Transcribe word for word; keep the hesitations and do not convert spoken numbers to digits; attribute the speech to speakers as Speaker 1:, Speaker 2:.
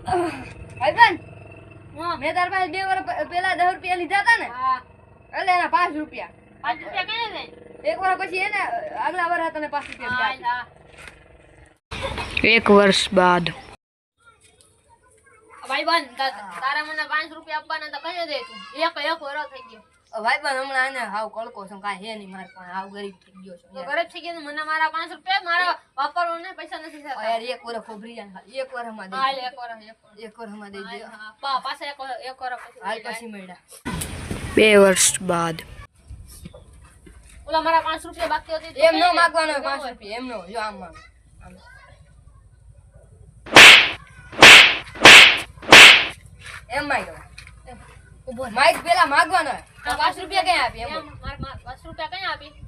Speaker 1: ભાઈબંધ મેં તાર પાસે બે વર્ષ પેલા દસ રૂપિયા લીધા હતા ને એટલે એના પાંચ રૂપિયા
Speaker 2: પાંચ રૂપિયા કઈ જાય
Speaker 1: એક વર્ષ પછી એને આગલા વર્ષ તને પાંચ રૂપિયા
Speaker 3: એક વર્ષ બાદ
Speaker 2: ભાઈબંધ તારા મને પાંચ રૂપિયા આપવાના તો કઈ દે તું એક એક વર્ષ થઈ ગયો
Speaker 1: ભાઈબંધ હમણાં એને હાવ કળકો છું કાંઈ હે નહીં મારે પણ હાવ ગરીબ થઈ ગયો છું
Speaker 2: ગરીબ થઈ ગયો મને મારા પાંચ રૂપિયા મારા વાપરવા ને પૈસા નથી થતા
Speaker 1: યાર એક વર્ષ ખોબરી જાય એક વર્ષમાં દઈ
Speaker 2: હાલ એક વર્ષ
Speaker 1: એક વર્ષમાં દઈ દે
Speaker 2: પા પાછા એક એક વર્ષ
Speaker 1: હાલ પછી મળ્યા
Speaker 3: બે વર્ષ બાદ
Speaker 2: ઓલા મારા પાંચ રૂપિયા બાકી હતી
Speaker 1: એમ નો માંગવાનો પાંચ રૂપિયા એમ નો જો આમ માંગ એમ માંગ્યો
Speaker 2: ઉભો
Speaker 1: માઈક પેલા માંગવાનો પાંચ રૂપિયા ક્યાં આપી એમ
Speaker 2: મારા પાંચ રૂપિયા કઈ આપી